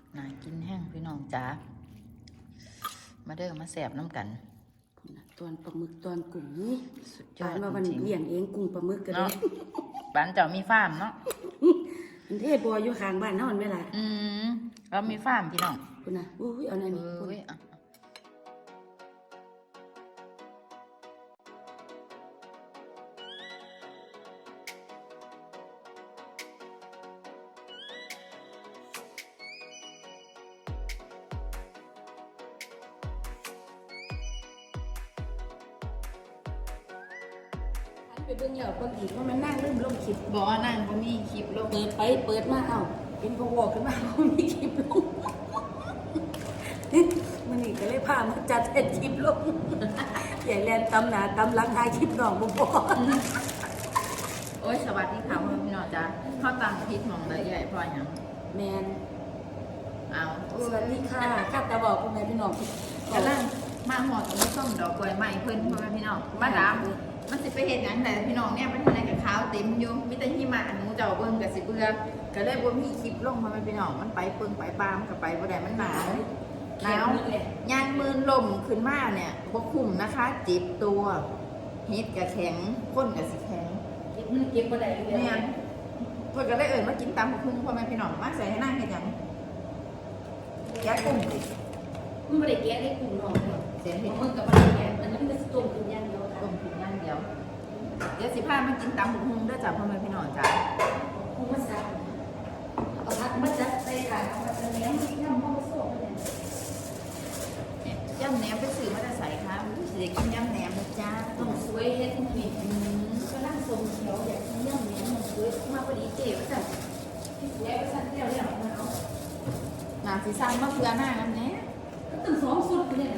น่ากินแห้งพี่น้องจ๋ามาเด้อมาแสบน้ำกันตอนปลาหมึกตอนกุ้งนี่สุดยอดมาวันเลี้ยงเองกุ้งปลาหมึกกันเลยบ้านเจ้ามีฟาร์มเนาะมันเทศบัวอยู่ข้างบ้านนอนไหมล่ะเรามีฟาร์มพี่น้องคุณน่ะอุ้ยเอาหน่อยนี่คุณไปเบิ่งเหยาคนอีกว่ามันนั่งลืมลงคลิปบอกว่านั่งก็มีคลิปลงเปิดมาเอ้าเป็นพวกขึ้นมาเขามีคลิปลงมันนี่ก็เลยพามาจัดเป็นคลิปลงใหญ่แลนตำหนาตำลังทายคลิปน้องบ่พอโอ้ยสวัสดีค่ะพี่น้องจ้าเข้าตังพิษมองเลยใหญ่พออย่างแมนเอาสวัสดีค่ะข้าตาบอกคุณแม่พี่น้องกำลังมาหอดตรงนี้ส้มดอกกล้วยใหม่เพิ่นพ่อแม่พี่น้องมาดามมันสิไปเห็นอย่างแต่พี่น้องเนี่ยเป็นอะไรกับขาวเต็มอยู่มีแต่หิมะหนูเจ้าเบิ่งกับสิเบื่อก็เลยบ่มีคลิปลงมาพี่น้องมันไปเปิงไปปามกับไปบ่ได้มันหนาวย่างมืนลมขึ้นมาเนี่ยบ่คุ้มนะคะเจ็บตัวเฮ็ดกับแข็งก้นกับสิแข็งมันเก็บบ่ได้เลยเนี่ยเพิ่นก็เลยมากินตำบักหุ่งพ่อแม่พี่น้องมาใส่ให้นั่งเฮ็ดหยังแกะกุ้งมันบ่ได้แกะได้กุ้งน้องเสียเฮ็ดมึงก็บ่ได้แกะมันเป็นต้มกินอย่างเดียวต้มกินอย่างเดียวเดี๋ยวสิพามากินตำบักหุ่งเด้อจ้ะพ่อแม่พี่น้องจ้ะหุ่งมาซักเอาผักมาจัดใส่ถาดเอามาแหนมย่ำข้าวโซ่เนี่ยย่ำแหนมไปซื้อมาจะใส่ค่ะสิได้กินย่ำแหนมนะจ้าต้องสวยเฮ็ดผิดก็นั่งทรงเขียวอยากกินย่ำแหนมมันสวยมาพอดีเจ๋ว่าซั่นแล้วซั่นแล้วมาเอาหนาสิสั่งมาเพื่อหน้ากันแหน่ตั้ง2สุดเนี่ย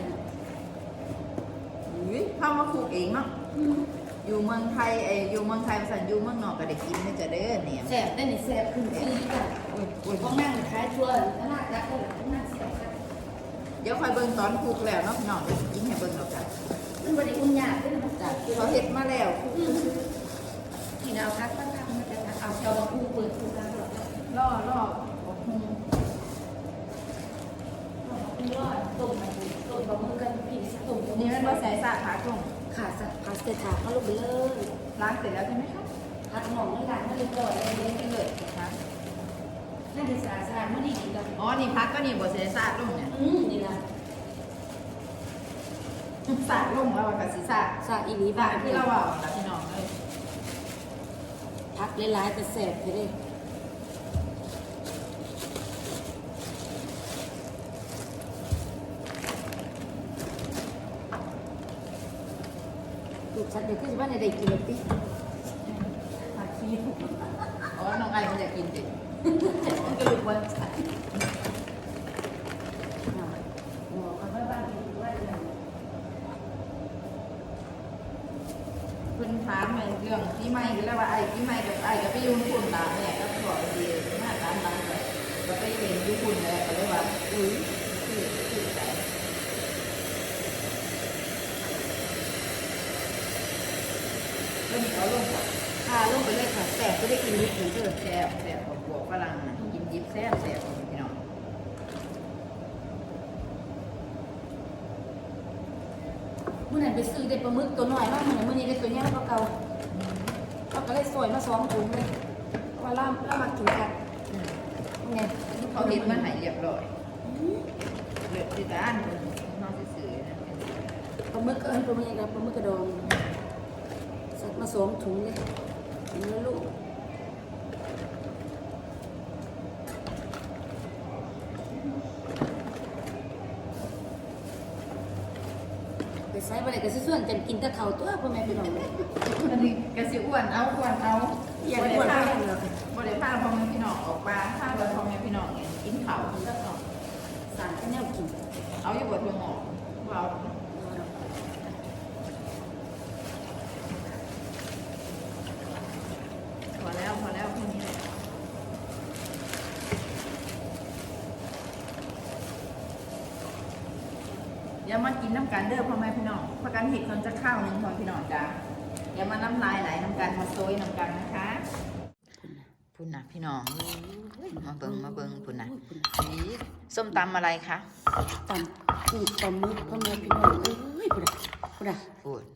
เข้ามาปลูกเองเนาะอยู่เมืองไทยอยู่เมืองไทยภาษาอยู่เมืองนอกก็ได้กินไม่จะเด้อเนี่ยแซ่บได้นี่แซ่บขึ้นชื่อจ้ะพวกนั่งขายทั่วตลาดนัดก็นั่งแซ่บเดี๋ยวคอยเบิ่งตอนปลูกแล้วเนาะพี่น้องจะกินให้เบิ่งเอาจ้ะมันบ่ได้อุ่นยากเด้อมันจ้ะเขาเฮ็ดมาแล้วที่เราคัดตั้งๆมันจะเอาเจ้าผู้เปิดผู้กันล่อต้มบะหมี่กันพี่ต้มนี่มันบ่ใส่สาขาตรงค่ะพาสเตถาเขาลงไปเลยล้างเสร็จแล้วใช่ไหมคะล้างหนองล้างให้เรียบร้อยเลยไปเลยนะนั่นคือสะอาดไม่ดีกันอ๋อนี่พักก็นี่บ่ใส่สาลงเนี่ยนี่ล่ะสาลงแล้วก็สิสาอีนี้บ้าที่เราเอาล่ะพี่น้องเอ้ยพักหลายๆแต่แซ่บเด้ฉันเดี๋ยวขึ้นบ้านในใดกินเลยพี่ผักชีอ๋อน้องไอมันจะกินสิมันก็รู้ว่าใส่คุณถามในเรื่องที่ไม่แล้วว่าไอ้ที่ไม่กับไอ้ก็ไปยุ่งคุณตาเนี่ยก็บอกดีมากตามนั้นเลยก็ไปเห็นยุ่งคุณเลยก็เลยว่าคือใจก็มีเขาลงลงไปเลยค่ะแซ่บก็ได้กินนิดหนึ่งเถอะแซ่บของพวกฝรั่งกินยิบแซ่บของพี่น้องเมื่อนั้นไปซื้อได้ปลาหมึกตัวน้อยมากเหมือนเมื่อนี้ได้ตัวใหญ่กว่าเก่าเขาก็เลยสวยมา2 ถุงเลยว่าล่ามากินกันไงเขาเห็นมันหายเรียบร้อยเลือดที่ด้านน้องซื้อปลาหมึกปลาหมึกกับปลาหมึกกระดองสักมา2 ถุงเลยเนื้อลูกไปใส่ไปเลยก็ส่วนกันกินแต่เขาตัวพ่อแม่พี่น้องเลยอันนี้กระสิอ้วนเอาอย่าไปอ้วนเลยบริภาพ่อแม่พี่น้องออกมาถ้าเราพ่อแม่พี่น้องเนี่ยกินเขาแล้วก็สารแนวกินเอาอยู่บนหัวหอกเราพอแล้วแค่นี้แหละอย่ามากินน้ำกันเด้อพ่อแม่พี่น้องพากันเห็ดคนจะข้าวหนึ่งพ่อพี่น้องจ้าอย่ามาน้ำลายไหลน้ำกันมาโซยน้ำกันนะคะพุ่นนะพี่น้องมาเบิ่งพุ่นนะสีส้มตำอะไรคะตำกุ้งปลาหมึกพ่อแม่พี่น้องเอ้ยพูดอะพูดอะพูด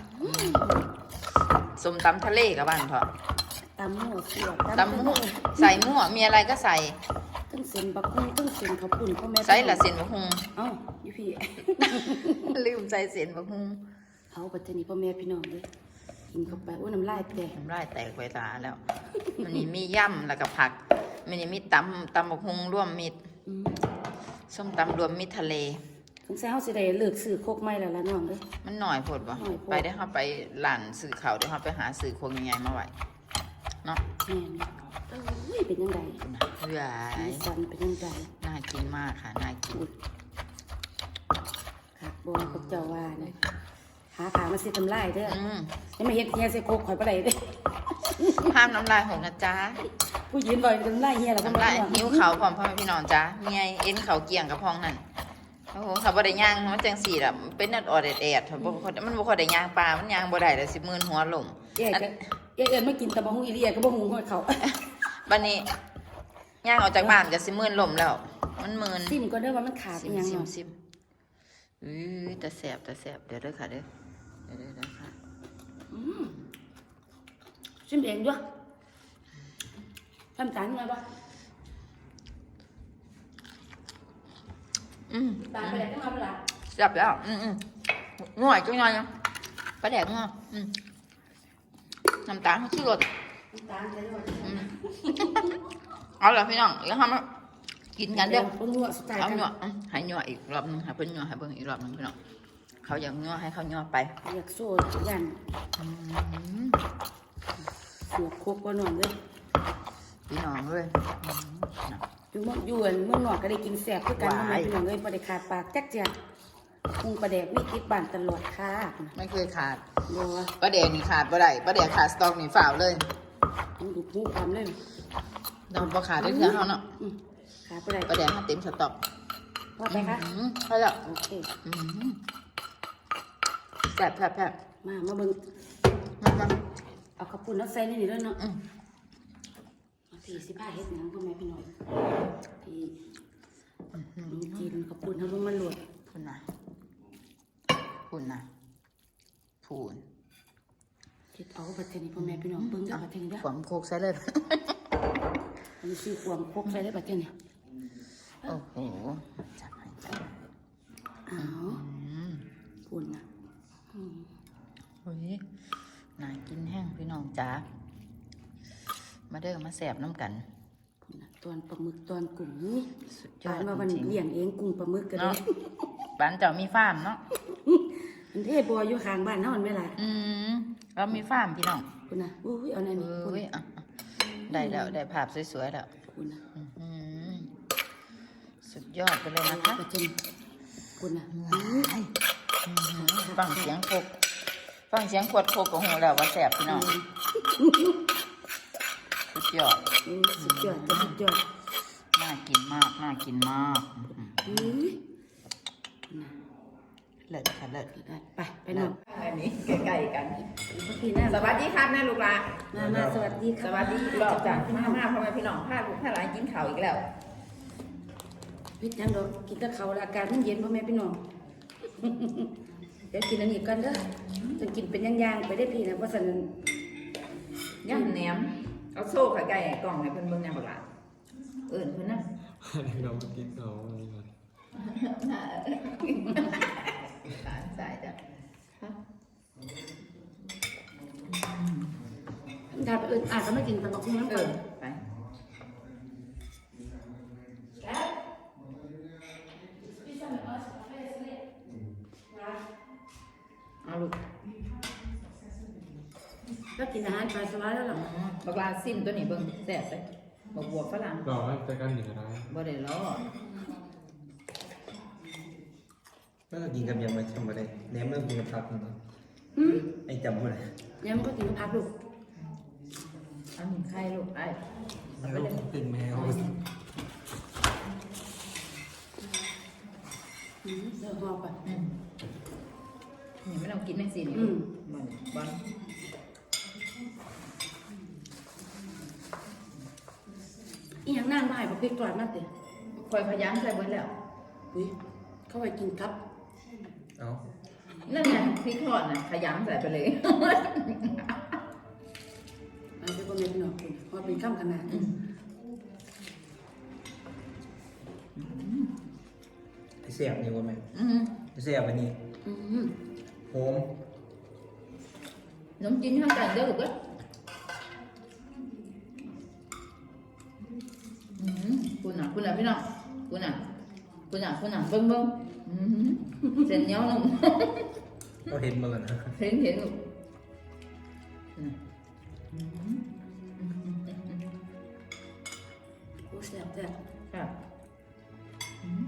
ส้มตำทะเลกับบ้านเถอะตำมั่วเสียตำมั่วใส่มั่วมีอะไรก็ใส่ตั้งเส้นบักหุ่งตั้งเส้นข้าวปุ้นพ่อแม่ใส่ละเส้นบะฮุงเอ้าอยู่พี่ลืมใส่เส้นบะฮุงเอาปัจจุบันพ่อแม่พี่น้องเลยกินเข้าไปโอ้ยน้ำลายแตกน้ำลายแตกไปตาแล้ว มันนี่มีย่ำแล้วก็ผักมันนี่มีตำบะฮุงร่วมมิตรอืมส้มตำรวมมิตรทะเลสงสัยเฮาสิได้เลิกซื้อโคกไม้แล้วล่ะน้องเด้อมันหน่อยโพดบ่หน่อยโพดไปได้เข้าไปหลานสื่อเขาได้เข้าไปหาสื่อคงยังไงมาไหวเนาะแม่นเอ้ยเป็นยังไงเฮ้ยสีสันเป็นยังไงน่ากินมากค่ะน่ากินขาดบอลพวกเจ้าว่าเนี่ยหาขามาสิทำลายเด้ออืมยังไม่เห็นเฮียใส่โคกข่อยปะไดเด้อห้ามน้ำลายหกนะจ๊ะผู้ยืนบ่อยทำลายเฮียแล้วก็น้ำลายหิ้วเขาพร้อมพ่อแม่พี่น้องจ้ะเมียเอ็นเขาเกี่ยงกับพ้องนั่นโอ้โหเขาบ่ได้ย่างมันจังสี่ละเป็นนัดออดแอดๆมันบ่ค่อยได้ย่างปลามันย่างบ่ได้เลย10,000หัวลมเอ๊ะก็เอ๊ะไม่กินตะบะฮุงอีเลียก็บ่หุงให้เขาบัดนี้ย่างออกจากบ้านก็10,000ลมแล้ว มันหมื่นซิมก็เด้อว่ามันขาดอีหยังเนาะซิมแต่แสบเดี๋ยวเด้อค่ะเด้อเด้อค่ะซิมเองด้วยทำจานมาบ่ตามไปไหนก็มาเวลาแซ่บแล้วง่วยจังหน่อยนะปลาแดกง่วน้ำตาลเขาชื่อรสตามไปด้วยเอาล่ะพี่น้องเดี๋ยวทำมากินกันเด้อคนนัวสไตล์เอากันหนัวให้หนัวอีกรอบนึงให้เพิ่นหนัวให้เบิ่งอีกรอบนึงพี่น้องเขาอยากหนัวให้เขาหนัวไปอยากโซ่ยันเสือกโคกก็นอนเลยพี่น้องเลยอยู่เมืองยวนเมืองนอกก็ได้กินแซ่บคือกันทำไมพี่น้องเลยบ่ได้ขาดปากจักเจียพุงปลาแดกมีติดบ้านตลอดค่ะไม่เคยขาดบ่ปลาแดกนี่ขาดบ่ได้ปลาแดกขาดสตอกนี่ฝ่าวเลยมันดูพูความเลยเราบ่ขาดได้เทื่อเฮาเนาะขาดบ่ได้ปลาแดกถ้าเต็มสต็อกพอไปคะใช่แล้วโอเคแซ่บแซ่บแซ่บมาเบิ่งมาเอาข้าวปุ้นเอาใส่นี่ด้วยเนาะพี่สิพาเฮ็ดหยังพ่อแม่พี่น้อยพี่มีจีนข้าวปุ้นเฮาลงมาลวกพูนนะพูนเฮ็ดเอาบัดเทนี้พ่อแม่พี่น้องเบิ่งเด้อบัดเทนี้เด้อผมโคกใส่เลยอันนี้สิความพกใส่ได้บัดเทนี้โอ้โหจับให้จับอ้าวปุ้นน่ะเฮ้ยน่ากินแห้งพี่น้องจ๋ามาเด้อมาแสบน้ำกันปุ้นน่ะตอนปลาหมึกตอนกุ้งนี่สุดยอปาดนว่ามันจริงเลี้ยงเองกุ้งปลาหมึกก็ได้เนาะบ้านเจ้ามีฟาร์มเนาะมันเทบ่อยู่ข้างบ้านเฮามันแม่ล่ะเรามีฟาร์มพี่น้องปุ้นน่ะอุ้ยเอาแน่นี่ปุ้นเฮ้ยได้แล้วได้ภาพสวยๆแล้วปุ้นน่ะสุดยอดไปเลยนะคะบัดเทนี้ปุ้นน่ะฟังเสียงโคกฟังเสียงขวดโคกก็หูแล้วว่าแสบพี่น้องสุดยอดสุดยอดจ้ะสุดยอดน่ากินมากน่ากินมาก เลิศค่ะเลิศไปนอนอันนี้ใกล้ๆกันพี่หน้าสวัสดีครับแม่ลูกหลานมาสวัสดีสวัสดีอีกรอบจ้ะมาพ่อแม่พี่น้องพาลูกพาหลานกินข้าวอีกแล้วพี่ยังดอกกินกับเขาวแล้วอากาศมันเย็นพ่อแม่พี่น้อง เดี๋ยวกินอันนี้ก่อนเด้อจะกินเป็นย่างๆไปได้พี่นะเพราะฉะนั้นย่ำแหนมเอาโซ่ไข่ไก่กล่องให้เพิ่นเบิ่งแหนมบักหลานเอิ่นเพิ่นนะเราไม่กินเขาอะไรกันหลานใส่จ้ะถ้าไปอาจจะไม่กินแต่บอกคุณน้ำเอเปิอดไปเอาลูกก็กินอาหารปลาสวายแล้วหรอบักลาซิมตัวนี้เบิ่งแซ่บเลยบักบวบฝรั่งรอให้แต่กันอยู่ก็ได้บ่ได้ล้อแล้วก็กินกับยำมาทำอะไรแหนมเริ่มกินกับผักนะครับไอ้จำอะไรยังมันก็กินพักลูกเอาหนึ่งไข่ลูกไอ้เอาไปแล้วเลยเป็นแมวเดี๋ยวพอไปนี่ไม่ต้องกินแม่สินี่มันบอลอีหยังนั่งบ่ายบอกพริกตรวจมาเตะฝคอยพยายามใส่เบิดแล้วอุ้ยเข้าไปกินครับเอานั่นไงพริกทอดน่ะขยำใส่ไปเลยอันนี้ก็ไม่เป็นหรอกคุณเพราะเป็นข้ามขนาดเสียบนี่ว่าไหมอืมเสียบอันนี้อืมโหมน้ำจิ้มข้างกันเด้อลูกเอ้ยคุณน่ะพี่น้องคุณน่ะเบิ่งเส้นเหนียวนุ่มเราเห็นมาแล้วนะเห็นลูกอืมโอ้แซ่บแซ่บครับอืม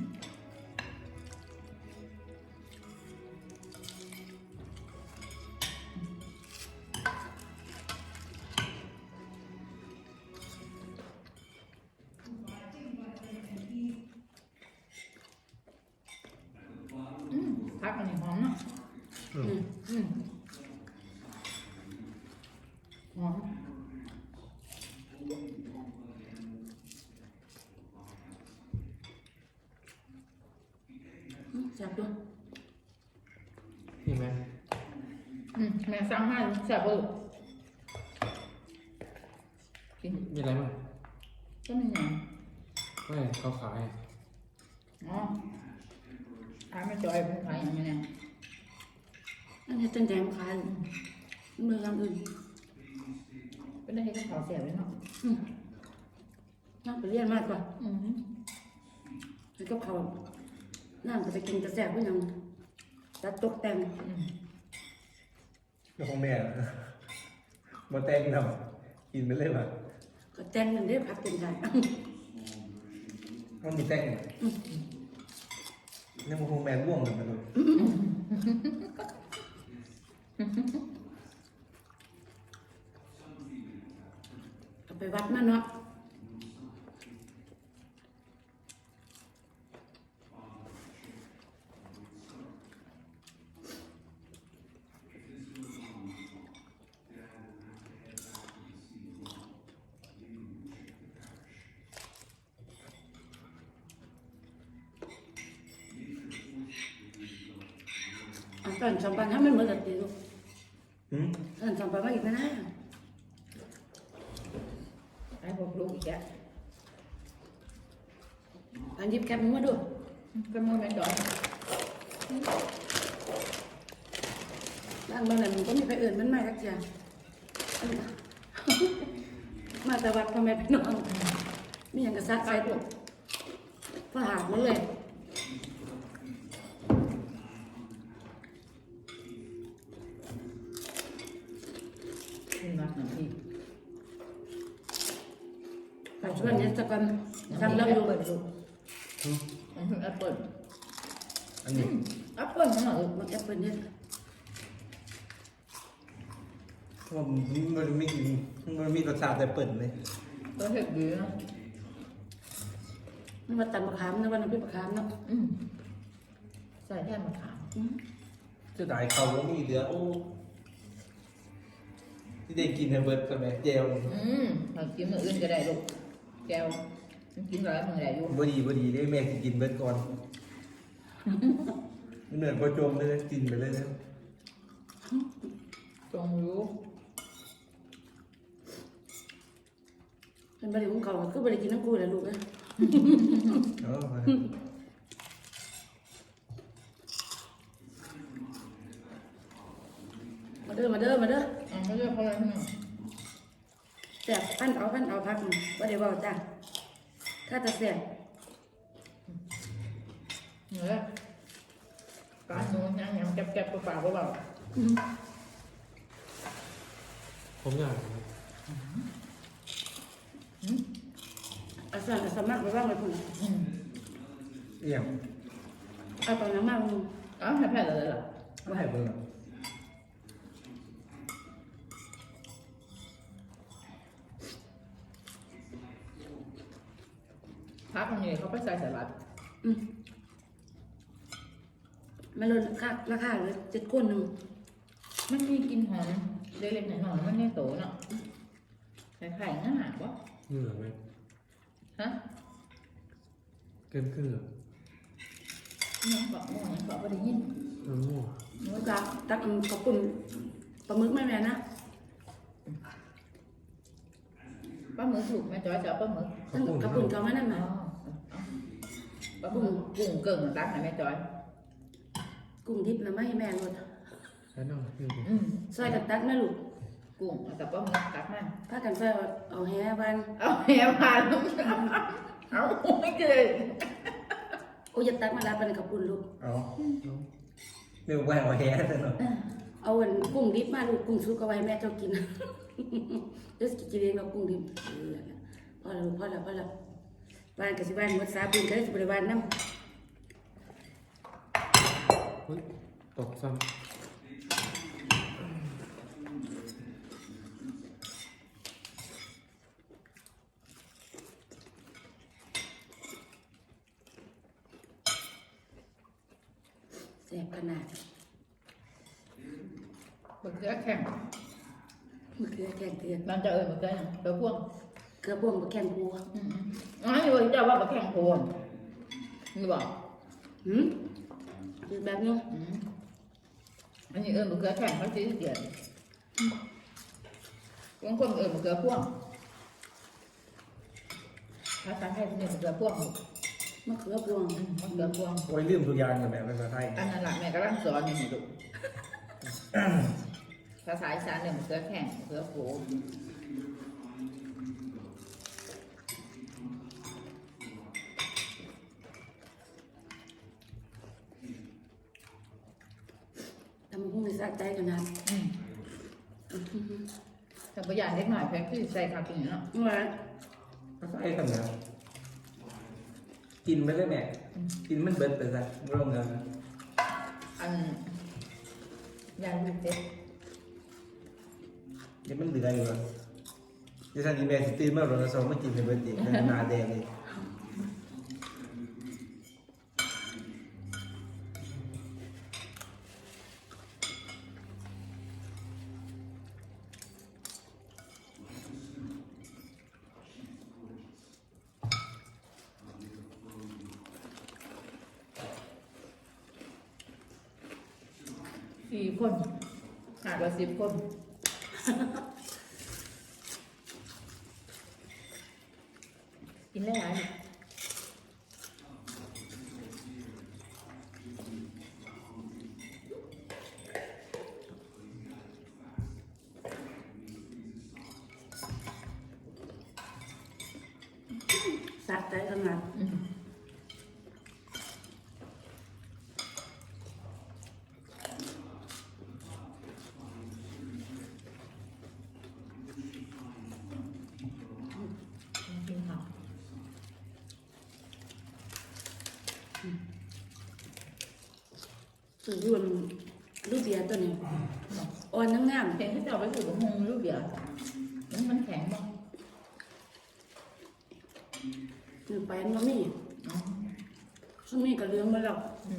พักอันนี้หอมเนาะอืมหอมแซ่บด้วยนี่ไหมแม่สั่งให้แซ่บเบอร์กินมีอะไรบ้างก็มีอย่างไม่เขาขายอ๋อขายไม่จอยผมขายอย่างนี้เนี่ยอันนี้ตั้งใจมาขายมือทำอื่นเป็นได้ให้เขาเสียเลยเนาะน่าไปเรียนมากกว่าอืมแล้วก็เขาน่าจะไปกินกระแสก็ยังตัดตกแต่งแล้วของแม่นะมาแต่งทำกินไปเลยว่ะก็แต่งนั่นเด้พักเป็นใจต้องมีแต่งนี่มันคงแม่ร่วงเหมือนกันเลยก็ไปวัดมาเนาะอันตอนสองปันถ้ามันเหมือนกับตีลูกหืมอันสองปันมาอีกนะไอ้พวกลูกอีกอ่ะอันยิบแคปมึงมาดูก็มือแม่จอยบ้านเมืองไหนมันก็มีไปอื่นมันมาสักอย่างมาแต่วัดทำไมพี่น้องมีอย่างกระซัดใส่ตัวพอหาดมันเลยนี่มักหนึ่งที่ปัจจุบันนี้จะกันทำแล้วอยู่เปิดลูกแอปเปิลอันนี้แอปเปิลนั่นเหรอมันแอปเปิลเนี่ยว่ามันไม่กินมันมีรสชาติแต่เปิดเลยตัวเห็ดดีนะมันมาตัดมะขามนะวันนั้นเป็นมะขามเนาะใส่แค่มะขามจะได้เขาว่ามีเหลือโอ้ที่ได้กินในเบิร์ดกันไหมเจลเรากินมื้ออื่นก็ได้ลูกแก้วมันกินร้อยมึงได้อยู่บดีได้แม่สิกินเบิร์ดก่อนมันเหมือนพอจมเลยกินไปเลยนะตรงรู้เป็นบริวารเขาก็บริกินน้ำกูแหละลูกเอ้ยเออมาเด้อมาเด้อมาเด้อเขาเรียกเขาอะไรที่นั่นแสบพันเอาพักว่าเดี๋ยวบอกจ้าถ้าจะแสบเหนือการนูนยังยังแก็บๆเปล่าๆเปล่าผมอยากอาสาสมัครไปบ้างเลยคุณเอี่ยมเอาตอนนั้นมามึงอ้าวให้แพ้เลยเหรอไม่ให้เบิร์ดพักคนนี้เขาไปใส่สลัดมันลดราคาเลย7 คนหนึ่งมันมีกลิ่นหอมเล็กๆหน่อยๆมันไม่โตเนาะไข่ๆง่ายวะเหนื่อยไหมฮะเกินครึ่งเหรอยังบอกโม่ยังบอกว่าได้ยินมั่วแล้วก็ตักขอบคุณปลาหมึกแม่แม่นะปลาหมึกถูกแม่จอยจะเอาปลาหมึกตั้งขอบคุณเขามานั่นอ๋มาอปลาหมึกกุ้งเกิ่งตักให้แม่จอยกุ้งดิบนะไม่ให้แม่รดแล้วน้องคือซอยกันตักนะลูกกุ้งกับปลาหมึกตักมาพากันซอยเอาแฮบ้านเอาแหผ่านเอาไม่เกินโอ้ยจะตักมารับเป็นขอบคุณลูกเอาเรียกว่าเอาแฮะซะหน่อยเอาอันกุ้งดิบมาลูกกุ้งสุกเอาไว้แม่เจ้ากินเดี๋ยวกินเองเรากุ้งดิบพอแล้วพอแล้วพอแล้วบ้านกับสิบ้านหมดสาบุญก็ได้สิบริวารน้เฮ้ยตกซ้ำแสบขนาดมะเขือแข็งมะเขือแข็งเตือนมันจะเอ่ยมะเขือหยังเขือพวงเกลือบ่วงมะแข็งกูอ๋ออยู่จะว่ามะแข็งพวงนี่บอกคือแบบนี้อันนี้เอ่ยมะเขือแข็งเขาซื้อเดียวบางคนเอ่ยมะเขือพวงภาษาไทยเป็นมะเขือพวงมะเขือพวงมะเขือพวงโอ้ยลืมทุกอย่างเลยแม่ภาษาไทยอันนั้นแหละแม่กำลังสอนอยู่นี่ลูกภาษาอีสานเนี่ยมะเขือแข็งมะเขือโผล่ทำพุ่งในสะใจขนาดแต่ประหยัดเล็กหน่อยแพ็คที่ใส่คากินเนาะว่าภาษาไทยทำไงกินไปเลยแม่กินมันเบิดไปซะไม่ลงเงินอันยางลูกเด็กเดี๋ยวมันเหลืออยู่อ่ะเดี๋ยวท่านอีแม่สิตื่นมาโรนสองมากินในเบิดอีกหน้าแดงเลย 4 คนขาดว่า10 คนกินได้หลายอยู่สะใจขนาดกินข้าวสื่อรวนรูปเบียร์ตัวนี้อ่อนทั้งงามเห็นที่เจ้าไปอยู่กับมงลูกเดียวมันแข็งบ้างคือไปมันมีซึ่งมีกระเลี้ยงมาแล้ว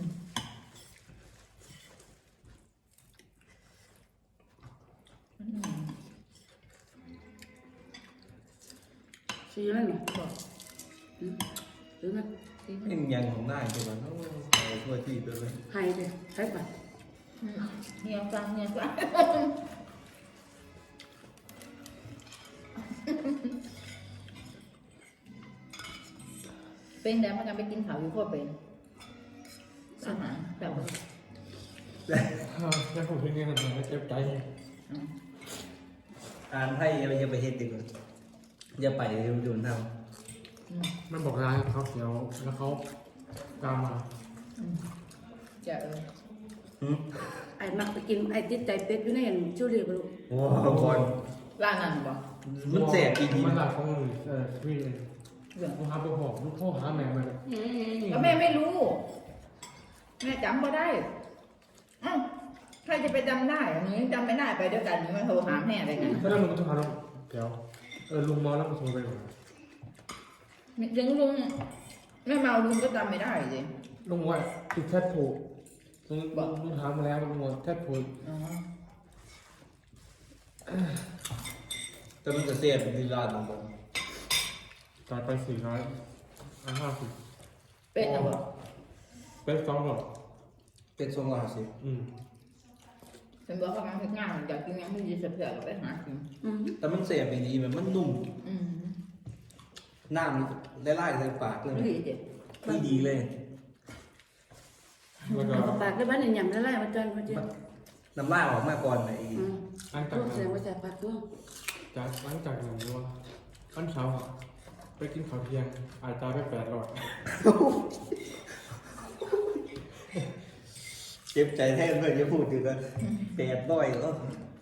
ซื้อแล้วนี่บอกซื้อนะยังยังของได้ใช่ไหมโอ้ยทั่วที่ไปเลยให้เลยใช้บัตรเงียบจังเงียบจังเป็นแล้วมันจะไปกินข้าวอยู่ก็เป็นอาหารแบบว่าำแล้วผมเป็นไงกันนะเจ็บใจอ่านไทยอย่าไปเฮ็ดดีกว่าอย่าไปโดนทมันบอกร้านเขาเขียวแล้วเขาตามมาจะำไอ้มักไปกินไอ้ติดใจเป็ดอยู่ในอันชูเรียบลูกโอ้โหบอลร้านนั้นบอกมันแสบอีดีมันหลักของพี่เลยเรื่องลูกค้าไปบอกลูกพ่อหาแม่มาแล้วแม่ไม่รู้ แม่จำไม่ได้อ้าวใครจะไปจำได้หนูยังจำไม่ได้ไปด้วยกันหนูมาโทรหาแม่อะไรกันแล้วลุงจะพาเราเดี๋ยวลุงเมาแล้วก็โทรไปก่อนยังลุงแม่เมาลุงก็จำไม่ได้สิลุงว่าติดแทบผูกลุงถามมาแล้วลุงว่าแทบผูกอ๋อแต่มันจะเสียบดีลาดของผมจ่ายไป450 เป็นอะไรบ่เป็นสองหรอเป็นทรงหล่อสิเป็นบอกว่ามันเป็นงานอยากกินยังไม่ดีเสือๆไปหากินแต่มันเสียไปดีแบบมันนุ่มอืมน้ำนี่ไล่ๆใส่ปากเลยไม่ดีเด็ดไม่ดีเลยแล้วก็ปากได้บ้านหยำได้ไรมาจนมาเจอน้ำลายออกมาก่อนไอ้หลังจากลูกนั้เสียนงว่าจะปากด้วยหลังจากนั้นว่าวันเช้าอะไปกินข้าวเที่ยงอาจจะไป8 หลอดเจ็บใจแทนเพื่อนจะพูดอยู่กันแปดด้อยแล้ว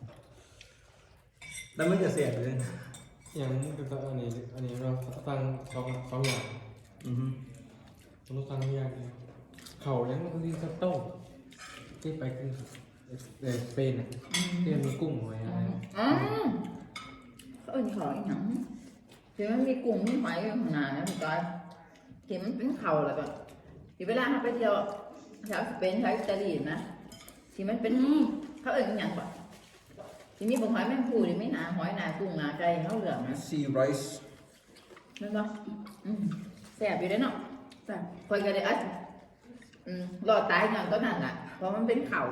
แล้วมันจะเสียเลยอย่างเป็นตัวอันนี้เราตั้งสองอย่างอือฮึเราตั้งอย่างเดียวเขายังมันที่สโต้ที่ไปกินสเปนอ่ะที่มันมีกุ้งไว้อะไรอ๋อเขาเอ็นขออีกหนังที่มันมีกุ้งมีหอยอยู่ข้างหน้านะพี่ก้อยที่มันเป็นเข่าแล้วก็ที่เวลาเราไปเที่ยวแถวสเปนแถวอิตาลีนะที่มันเป็นเขาเอ็นอย่างก่อนที่มีบางหอยแมงภูที่ไม่หนาหอยหนากุ้งหนาไก่เขาเหลืองนะซีไรซ์นั่นปะแสบอยู่ได้เนาะแต่คอยกันเลยอ่ะรอดตายอย่างต้นนั่นแหละเพราะมันเป็นเขา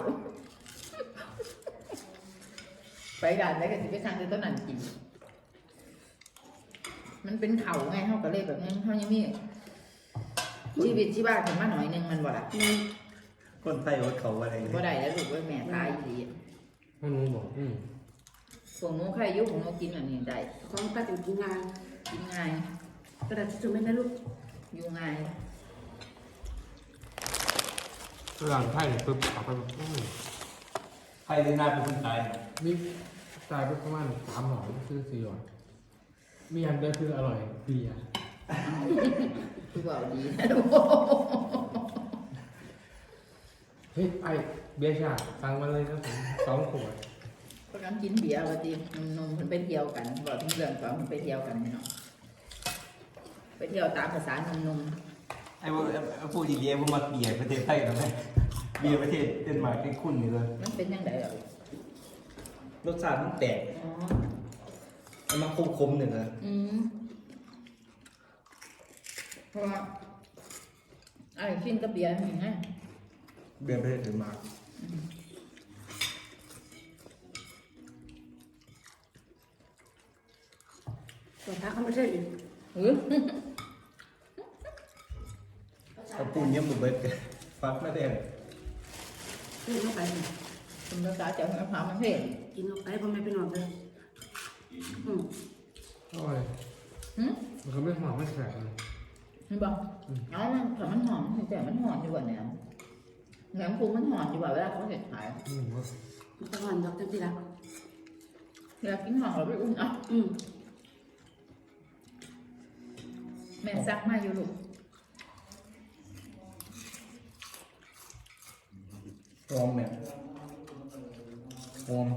ไปกันแล้วก็จะไปสั่งในต้นนั่นกินมันเป็นเขาไงเขาก็เลยแบบนี้เขายังมีชีวิตที่บ้านถึงมาหน่อยนึงมันบ่ละคนไทยว่าเขาอะไรบ่ได้แล้วลูกว่าแม่ตายดีให้หนูบอกพวกหนูใครอยุ่ของหนูกินอันนี้ได้ของป้าถึงกินงานกินง่ายกระดาษจุ่มไม่ได้ลูกอยู่ง่ายหลังไพ่ปุ๊บเอาไปไทยได้หน้าเป็นคนไทยมีตายไปประมาณ3 หลอดคือ4 หลอดมีอันเดียวคืออร่อยเบียร์คือว่าดีเฮ้ยไอเบียร์ชาสั่งมาเลยนะผม2 ขวดก็น้ำกินเบียร์ว่าจีนมมันไปเที่ยวกันบอกที่เรื่องก่อนมันไปเที่ยวกันเนาะไปเที่ยวตามภาษานมไอ้พวกพูดดีๆพวกมาเบียร์ประเทศไทยกันไหมเบียร์ประเทศเดนมาร์กเป็นคุณนี่เลยมันเป็นยังไงอ่ะรสชาติมันแปลกอ๋อมันมาคมๆหนึ่งเลยเพราะว่าไอ้กินกับเบียร์นี่ไงเบียร์ประเทศเดนมาร์กส่วนถ้าเขาไม่ใช่อีกกระปุนเยี่ยมบุบเบิ้ลฟักไม่ได้กินเข้าไปคุณภาษาเจ้าแม่พามันเพ่งกินเข้าไปพ่อแม่ไปนอนเลยอร่อยมันก็ไม่หอมไม่แสบเลยเห็นบอกเอามันถ้ามันหอมแต่มันหอมอยู่กว่าแหนมแหนมคูมันหอมอยู่กว่าเวลาเขาเห็ดขายมันจะหอนดอกจังสิละเวลากินหอมเราไปอุ่นอ่ะแม่ซักมาอยู่ลูกหอมเนี่ยหอม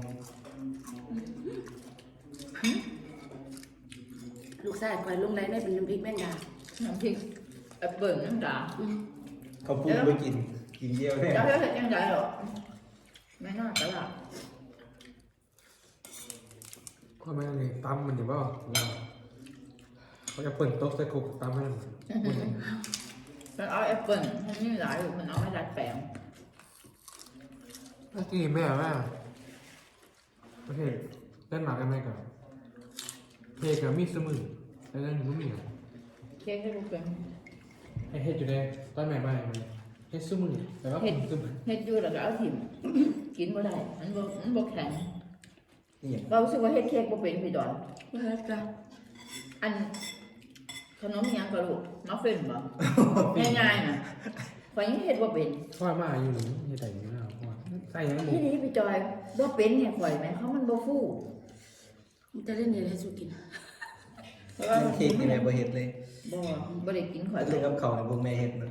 ลูกชายคอยลงไรได้เป็นน้ำพริกแม่งดาน้ำพริกแอปเปิ้ลน้ำตาเขาพูดไปกินเยี่ยวแน่เจ้าเห็ดยังไงหรอไม่น่าตลาดก็ไม่เลยตำมันเดี๋ยวว่าเขาจะเปิดโต๊ะใส่คุกตำให้มันมันเอาแอปเปิ้ลมันมีหลายอยู่มันเอาไม่ดัดแปลงเมื่อกี้แม่ประเทศเล่นหมากกันไหมกับเพกับมีสมือแต่เล่นมันมีเค้กให้ลูกเป็นไอเฮ็ดอยู่ในต้นไม้ใบมันเฮ็ดสมือแต่ว่าผมสมือเฮ็ดอยู่แล้วก็เอาถิ่มกินบ่ได้มันบ่แข็งนี่อย่างเรารู้สึกว่าเฮ็ดเค้กบ่เป็นพี่ดอนไม่ใช่จ้ะอันขนมอิหยังก็ลูกมัฟฟินบ่ง่ายๆน่ะข่อยยังเฮ็ดบ่เป็นพ่อมาอยู่นี่เฮ็ดได้อยู่แล้วพ่อใส่ยังหมูที่นี่พี่จอยบ่เป็นเนี่ยข่อยแม่เขามันบ่ฟูมันจะเล่นอะไรให้สุกินเพราะว่าเค้กนี่แม่บ่เฮ็ดเลยบ่ได้กินข่อยเรื่องกับเขาในพวกแม่เฮ็ดนะ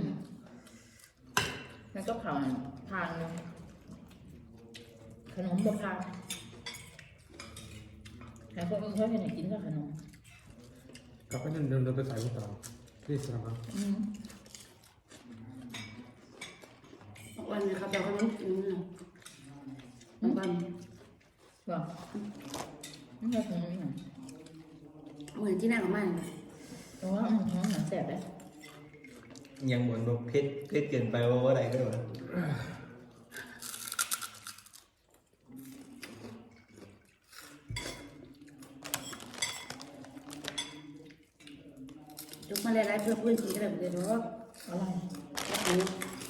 แล้วก็ข้าวทานเลยขนมบ่ทานแต่คนอื่นเขาเฮ็ดให้กินกับขนมกลับไปเดินไปใส่ลูกเต๋าที่สนามวันนี้เขาจะเขาต้องกินวันบ่มันก็คงนี่เหมือนที่นั่งของมันเพราะว่าท้องหนังแสบเลยยังเหมือนแบบเพชรเกินไปว่าอะไรด้วยวะยกมาหลายๆเพื่อพื้นที่ก็ได้บ่ได้ดอกอะไรโอ้โห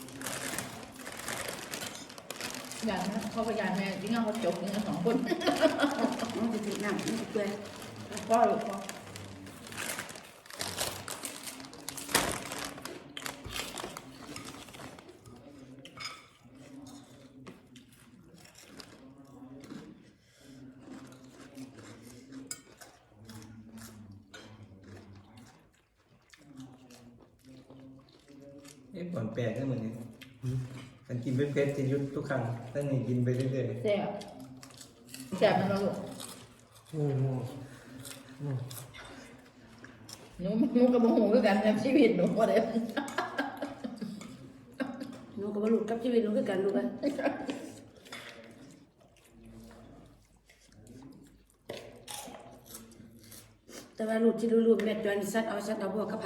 อย่างนั้นเขาก็ยายแม่จริงๆเขาจบนี่2 คนมันจะติดน้ำมันจะเปื่อยพ่อหรือพ่อบ่อนแปลกนะเหมือนกันมันกินเพชรจะยุดทุกครั้งตั้งแต่กินไปเรื่อยแซ่บแซ่บมันเราลูกโอ้โหหนูกับโมโหด้วยกันในชีวิตหนูก็ได้หนูก็บ่รู้กับชีวิตหนูคือกันลูกอะแต่ว่าลูกที่รู้ๆแม่จวนสัตว์เอาพวกกับไผ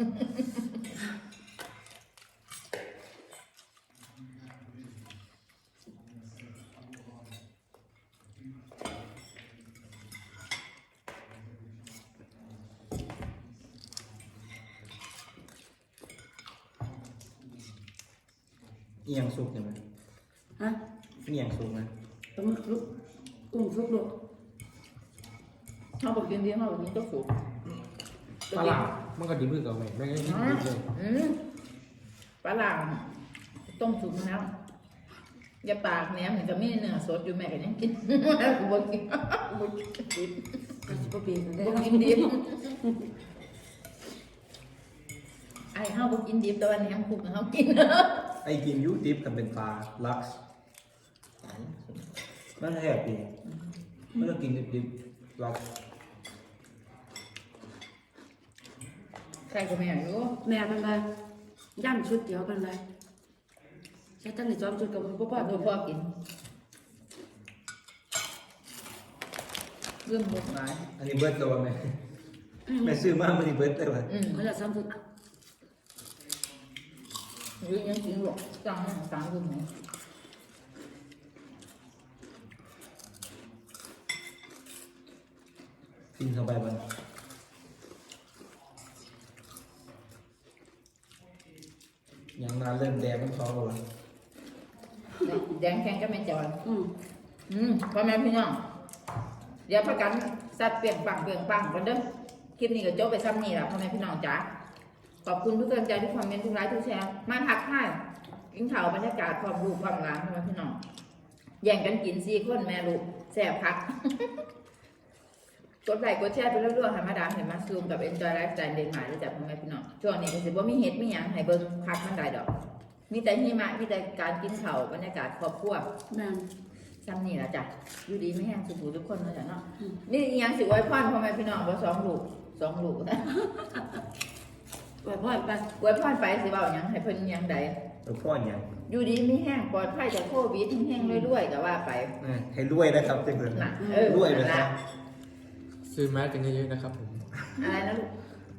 ๆอีหยังสุกใช่ไหมฮะอีหยังสุกนะปลาหมึกลูกกุ้งสุกลูกเขาบอกกินดีเขาบอกกินต้องสูบปลาหลาดมันก็ดีมือกับแม่แม่ก็กินดีเลยปลาหลามต้มสุกแล้วอย่าปากแหนมมันจะไม่เนื้อสดอยู่แม่ก็ยังกินกูบอกกินกูบอกกินก็สิบ่เปลี่ยนกันได้บอกกินดิบไอ้เขาบอกกินดิบแต่วันนี้คุกเขากินไอ้กินยูดิฟกับเป็นปลาลักซ์มันแหบดีมันก็กินดิบๆลักซ์ใครก็ไม่รู้แม่มันว่าย่ำชุดเดียวกันเลยใช้ตั้งแต่ซ้อมชุดกับพ่อพ่อตัวพ่อกินเรื่องหมดหลายอันนี้เบิร์ดตัวไหมแม่ซื้อมามันนี่เบิร์ดเลยวะเขาจะซ้อมชุดหรือยังกินหรอกจังสามคนไหนกินเข้าไปมันยังมาเริ่มแดงมันท้องแล้ววะแดงแข็งก็ไม่จอยอืมพ่อแม่พี่น้องเดี๋ยวพักกันสัตว์เปลี่ยนปังกันเด้อคลิปนี้ก็จบไปซ้ำนี่แหละพ่อแม่พี่น้องจ๋าขอบคุณทุกกำลังใจทุกคอมเมนต์ทุกไลค์ทุกแชร์มาทักทายกินข่าวบรรยากาศความรู้ความร้านพ่อแม่พี่น้องแย่งกันกิน4 คนแม่ลูกแซ่บพัก กดไลค์กดแชร์ไปเรื่อยๆให้มาดามให้มาซูมกับ Enjoy Lifestyle เดนมาร์กได้จากพ่อแม่พี่น้องช่วงนี้ก็สิบ่มีเฮ็ดมีหยังให้เบิ่งพักมันได้ดอกมีแต่หิมะมีแต่การกินข้าวบรรยากาศครอบครัวแม่ซ้ำนี่ล่ะจ้ะอยู่ดีไม่แห้งสุขทุกคนเนาะจ้ะเนาะนี่อีหยังสิไว้พรพ่อแม่พี่น้องบ่2 ลูก2 ลูกนะปล่อยพ่อไปไว้พรไปสิเว้าหยังให้เพิ่นหยังใดแล้วพ่ออย่างอยู่ดีไม่แห้งปลอดภัยจากโควิดแห้งๆรวยๆก็ว่าไปให้รวยนะครับจังเลยน่ะรวยเลยนั่นคล่ะรับซื้อแมสกันเยอะๆนะครับผมอะไรนะลูก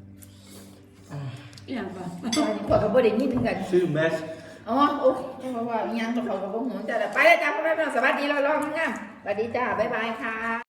อย่างป่ะขอกับบ่ได้ยินกันชื่อแมชอ๋อโอเคเพราะว่ายังกับเขากับพวกหนูจ้ะไปแล้วจ้าพ่อแม่พี่น้องสวัสดีรอๆงามๆสวัสดีจ้าบ๊ายบายค่ะ